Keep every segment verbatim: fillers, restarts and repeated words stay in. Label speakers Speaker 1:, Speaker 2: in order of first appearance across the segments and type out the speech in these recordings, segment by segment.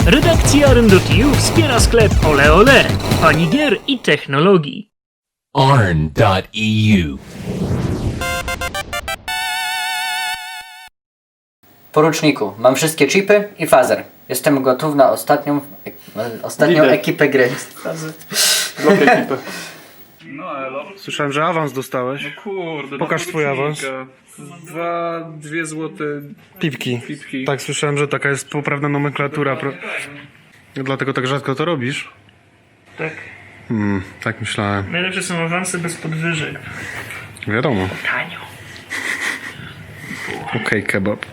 Speaker 1: Redakcja Arn kropka e u wspiera sklep Ole Ole, pani gier i technologii.
Speaker 2: Arn kropka e u.
Speaker 3: Poruczniku, mam wszystkie chipy i fazer. Jestem gotów na ostatnią, ostatnią
Speaker 4: Lider.
Speaker 3: ekipę gry.
Speaker 4: Blok ekipy.
Speaker 5: No elo.
Speaker 4: Słyszałem, że awans dostałeś.
Speaker 5: Kurde,
Speaker 4: Pokaż
Speaker 5: no
Speaker 4: twój awans.
Speaker 5: Dwa, dwie złote
Speaker 4: Pipki.
Speaker 5: pipki.
Speaker 4: Tak, słyszałem, że taka jest poprawna nomenklatura. Pro... Dlatego tak rzadko to robisz?
Speaker 1: Tak.
Speaker 4: Hmm, tak myślałem.
Speaker 1: Najlepsze są awanse bez podwyżek.
Speaker 4: Wiadomo.
Speaker 1: Tanio.
Speaker 4: Okej, kebab.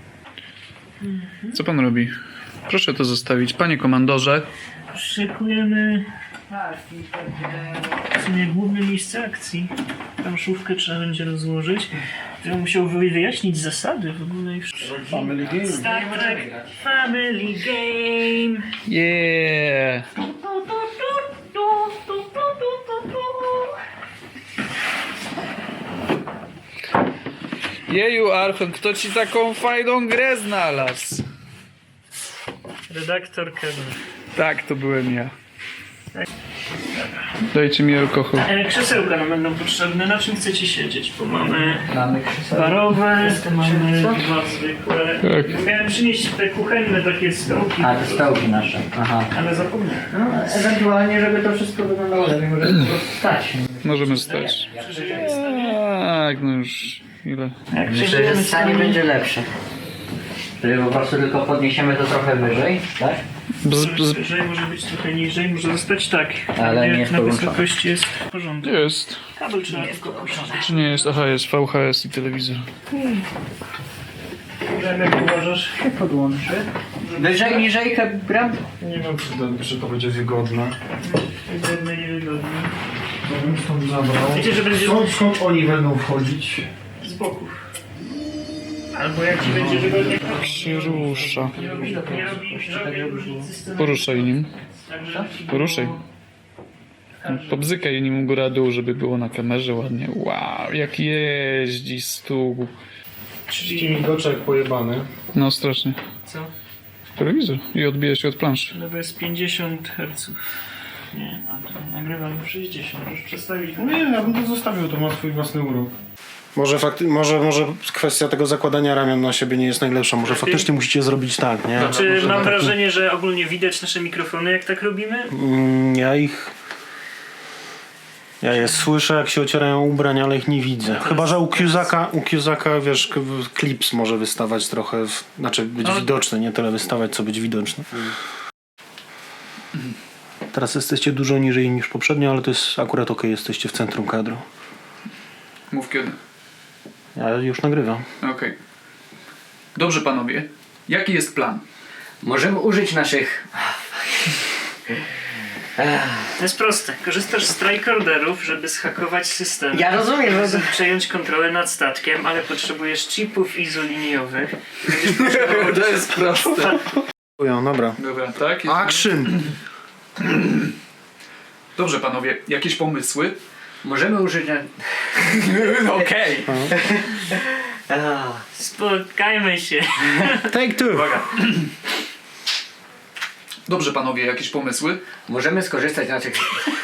Speaker 5: Co pan robi? Proszę to zostawić. Panie komandorze.
Speaker 1: Szykujemy w sumie główne miejsce akcji. Planszówkę trzeba będzie rozłożyć. Ja musiał wyjaśnić zasady w ogóle i wszystko.
Speaker 4: Family game.
Speaker 1: Star Trek Family Game.
Speaker 5: Yeah! Jeju, Archon, kto ci taką fajną grę znalazł?
Speaker 1: Redaktor Kevin.
Speaker 5: Tak, to byłem ja. Dajcie mi alkohol.
Speaker 1: E, krzesełka nam będą potrzebne. Na czym chcecie siedzieć? Bo mamy
Speaker 3: Mamy krzesełka.
Speaker 1: barowe, mamy dwa zwykłe.
Speaker 5: Tak.
Speaker 1: Miałem przynieść te kuchenne takie stołki,
Speaker 3: A, te stołki nasze. Aha.
Speaker 1: ale zapomniałem.
Speaker 3: No, ewentualnie, żeby to wszystko wyglądało lepiej, może po prostu stać.
Speaker 5: Możemy stać. Tak, no już ile?
Speaker 1: Jak
Speaker 3: Myślę, że
Speaker 1: przeżyjemy
Speaker 3: stanie
Speaker 1: sami-
Speaker 3: będzie lepsze. Czyli po prostu tylko podniesiemy to trochę wyżej, tak?
Speaker 5: Bz, bz,
Speaker 1: Wyżej może być trochę niżej, może zostać tak.
Speaker 3: Ale nie
Speaker 1: Jak
Speaker 3: w
Speaker 1: na
Speaker 3: połączone.
Speaker 1: wysokości jest w porządku.
Speaker 5: jest.
Speaker 1: Kabel trzeba tylko puścić.
Speaker 5: Czy nie jest? Aha, jest V H S i telewizor.
Speaker 1: Jak uważasz?
Speaker 3: Podłączę. Wyżej, niżej, gram?
Speaker 4: Nie wiem, czy, czy to będzie wygodne.
Speaker 1: Wygodne i wygodne.
Speaker 4: Ja bym stąd zabrał.
Speaker 1: Wiecie, że będzie
Speaker 4: Skąd, skąd oni będą wchodzić?
Speaker 1: z boków. Albo jak ci będzie wygodnie.
Speaker 5: Się rusza.
Speaker 1: Nie robi, nie robi żadnej różnicy z tym.
Speaker 5: Poruszaj nim.
Speaker 1: Także ci było-
Speaker 5: Poruszaj. Pobzykaj nim góra-dół, żeby było na kamerze ładnie. Wow, jak jeździ stół.
Speaker 4: trzydzieści migoczek pojebany.
Speaker 5: No strasznie.
Speaker 1: Co?
Speaker 5: Telewizor i odbija się od planszy.
Speaker 1: No to jest pięćdziesiąt herców. Nie, a to nagrywamy w sześćdziesiąt. Już przestawić.
Speaker 4: Nie, ja bym to zostawił, to ma swój własny urok. Może, fakty, może, może kwestia tego zakładania ramion na siebie nie jest najlepsza. Może faktycznie musicie zrobić tak, nie?
Speaker 1: Czy
Speaker 4: Może
Speaker 1: mam
Speaker 4: tak-
Speaker 1: wrażenie, że ogólnie widać nasze mikrofony, jak tak robimy?
Speaker 4: Mm, Ja ich... Ja je słyszę, jak się ocierają ubrania, ale ich nie widzę. Chyba, że u Cusaka, u Cusaka, wiesz, k- klips może wystawać trochę, w, znaczy być
Speaker 1: No.
Speaker 4: widoczny, nie tyle wystawać, co być widoczny. Teraz jesteście dużo niżej niż poprzednio, ale to jest akurat okej, jesteście w centrum kadru.
Speaker 5: Mów kiedy.
Speaker 4: Ja już nagrywam.
Speaker 5: Okej. Dobrze panowie. Jaki jest plan?
Speaker 3: Możemy użyć naszych...
Speaker 1: To jest proste. Korzystasz z tricorderów, żeby zhakować system.
Speaker 3: Ja rozumiem, że...
Speaker 1: Żeby przejąć kontrolę nad statkiem, ale potrzebujesz chipów izoliniowych. Będziesz potrzebował
Speaker 5: To jest proste.
Speaker 4: Ja, dobra.
Speaker 5: Dobra, tak? Jest-
Speaker 4: Action!
Speaker 5: Dobrze panowie. Jakieś pomysły?
Speaker 3: Możemy użyć...
Speaker 5: Okej.
Speaker 1: Spotkajmy się.
Speaker 4: Take two!
Speaker 5: Dobrze panowie, jakieś pomysły?
Speaker 3: Możemy skorzystać z naszych...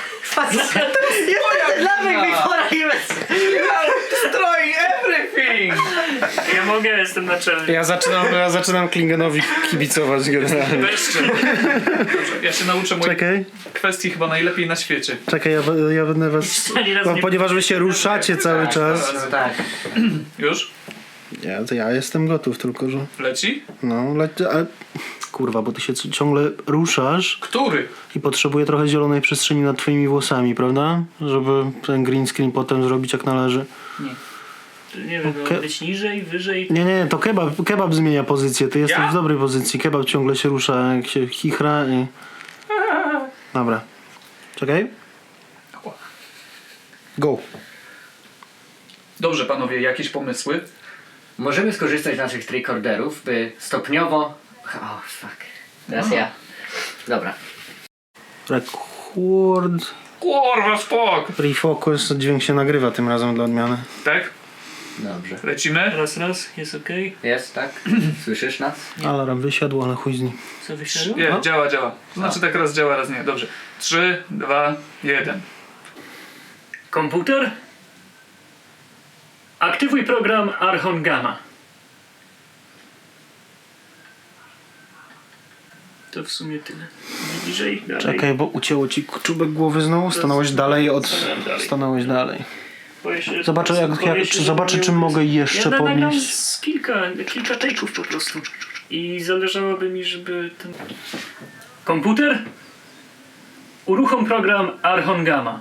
Speaker 3: Dawaj mi
Speaker 5: Destroy everything!
Speaker 1: Ja mogę, jestem naczelny.
Speaker 4: Ja zaczynam, ja zaczynam Klingenowi kibicować generalnie.
Speaker 5: Weźcie. Dobrze, ja się nauczę mojej
Speaker 4: Czekaj,
Speaker 5: kwestii chyba najlepiej na świecie.
Speaker 4: czekaj, ja, ja będę was...
Speaker 1: Ani raz
Speaker 4: No,
Speaker 1: nie-
Speaker 4: ponieważ wy się ruszacie cały czas.
Speaker 3: No tak.
Speaker 5: Już?
Speaker 4: Ja, to ja jestem gotów, tylko że...
Speaker 5: Leci?
Speaker 4: No, le... ale... Kurwa, bo ty się c- ciągle ruszasz
Speaker 5: Który?
Speaker 4: i potrzebuję trochę zielonej przestrzeni nad twoimi włosami, prawda? Żeby ten green screen potem zrobić jak należy.
Speaker 1: Nie wiem,
Speaker 4: Okej.
Speaker 1: być niżej, wyżej.
Speaker 4: Nie, nie, to kebab, kebab zmienia pozycję. Ty jesteś
Speaker 5: Ja?
Speaker 4: w dobrej pozycji. Kebab ciągle się rusza, jak się chichra i... Dobra. Czekaj. Go.
Speaker 5: Dobrze panowie, jakieś pomysły?
Speaker 3: Możemy skorzystać z naszych tricorderów, by stopniowo... O, fuck. Teraz ja. Dobra.
Speaker 4: Record.
Speaker 5: Kurwa, spok!
Speaker 4: Refocus. Dźwięk się nagrywa tym razem dla odmiany.
Speaker 5: Tak?
Speaker 3: Dobrze.
Speaker 5: Lecimy?
Speaker 1: Raz, raz, jest okej.
Speaker 3: Jest, tak? Słyszysz nas?
Speaker 4: Alarm wysiadł, ale chuj z nim.
Speaker 1: Co wysiadło?
Speaker 5: Nie, działa, działa. To znaczy tak raz działa, raz nie. Dobrze. Trzy, dwa, jeden.
Speaker 1: Komputer? Aktywuj program Archon Gamma. To w sumie tyle. Bliżej, dalej.
Speaker 4: Czekaj, bo ucięło ci czubek głowy znowu. Stanąłeś dalej od...
Speaker 1: Stanąłem dalej.
Speaker 4: Stanąłeś dalej.
Speaker 1: Boję się, że
Speaker 4: Zobaczę,
Speaker 1: po
Speaker 4: jak-
Speaker 1: prostu
Speaker 4: jak-
Speaker 1: boję się,
Speaker 4: czy
Speaker 1: że
Speaker 4: zobaczę,
Speaker 1: moje
Speaker 4: czy mogę
Speaker 1: umysł-
Speaker 4: jeszcze
Speaker 1: ja nagram
Speaker 4: podnieść.
Speaker 1: z kilka, kilka take'ów po prostu. I zależałoby mi, żeby ten... Komputer? Uruchom program Archon Gamma.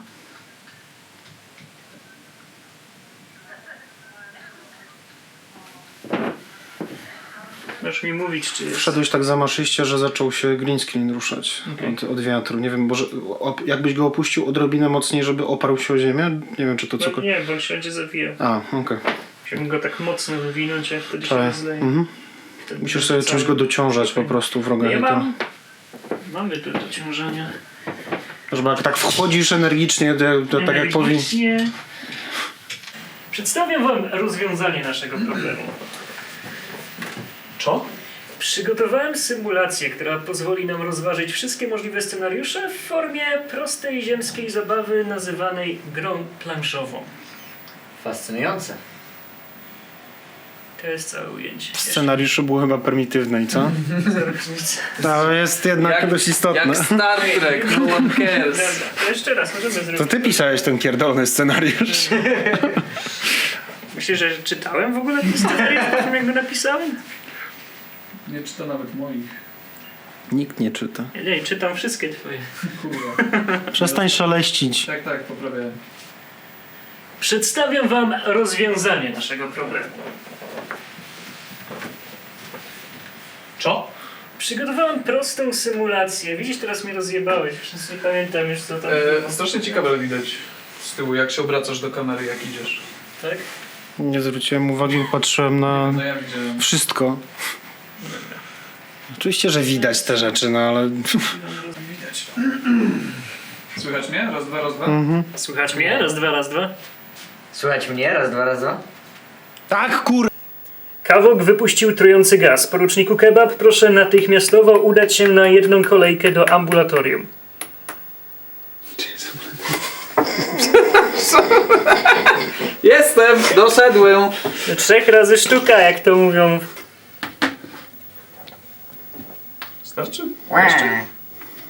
Speaker 1: Masz mi mówić, czy jest...
Speaker 4: Wszedłeś tak zamaszyście, że zaczął się green screen ruszać
Speaker 1: Okej.
Speaker 4: od, od wiatru. Nie wiem, może op, jakbyś go opuścił odrobinę mocniej, żeby oparł się o ziemię? Nie wiem, czy to
Speaker 1: No,
Speaker 4: cokolwiek...
Speaker 1: nie, bo on się będzie zawijał.
Speaker 4: A, okej.
Speaker 1: Musiałbym go tak mocno wywinąć, a wtedy się
Speaker 4: Okay.
Speaker 1: rozleje.
Speaker 4: Mhm.
Speaker 1: Wtedy
Speaker 4: Musisz sobie
Speaker 1: cały-
Speaker 4: czymś go dociążać po prostu w
Speaker 1: Nie
Speaker 4: rogach.
Speaker 1: mam. Mamy tu dociążania.
Speaker 4: Żeby jak tak wchodzisz energicznie, to, to tak jak powinien.
Speaker 1: Nie. Przedstawiam wam rozwiązanie naszego problemu.
Speaker 5: Co?
Speaker 1: Przygotowałem symulację, która pozwoli nam rozważyć wszystkie możliwe scenariusze w formie prostej ziemskiej zabawy nazywanej grą planszową.
Speaker 3: Fascynujące.
Speaker 1: To jest całe ujęcie.
Speaker 4: Scenariusze były chyba prymitywne i co?
Speaker 1: Za różnicę.
Speaker 4: To jest jednak dość istotne.
Speaker 3: Star Trek, no one cares.
Speaker 1: Dobra, to jeszcze raz możemy zrobić.
Speaker 4: To ty pisałeś ten pierdolony scenariusz.
Speaker 1: Myślisz, że czytałem w ogóle ten scenariusz po tym, jak go napisałem?
Speaker 5: Nie czyta nawet moich.
Speaker 4: Nikt nie czyta.
Speaker 1: Nie, nie, czytam wszystkie twoje.
Speaker 5: Kurwa.
Speaker 4: Przestań szaleścić.
Speaker 5: Tak, tak, poprawiałem.
Speaker 1: Przedstawiam wam rozwiązanie naszego problemu.
Speaker 5: Co?
Speaker 1: Przygotowałem prostą symulację. Widzisz, teraz mnie rozjebałeś. Już nie pamiętam już co tam było.
Speaker 5: E, strasznie ciekawe widać z tyłu, jak się obracasz do kamery, jak idziesz.
Speaker 1: Tak?
Speaker 4: Nie zwróciłem uwagi, patrzyłem na
Speaker 5: No ja widziałem.
Speaker 4: wszystko. Oczywiście, że widać te rzeczy, no ale...
Speaker 5: Widać. Słychać mnie? Raz, dwa, raz, dwa.
Speaker 1: Słychać mnie? Raz, dwa, raz, dwa.
Speaker 3: Słuchać mnie? Raz, dwa, raz, dwa.
Speaker 4: Tak, kur...
Speaker 1: Kawok wypuścił trujący gaz. Poruczniku Kebab, proszę natychmiastowo udać się na jedną kolejkę do ambulatorium.
Speaker 5: Jestem! Doszedłem!
Speaker 1: Trzech razy sztuka, jak to mówią.
Speaker 5: Starczy?
Speaker 3: Jeszcze?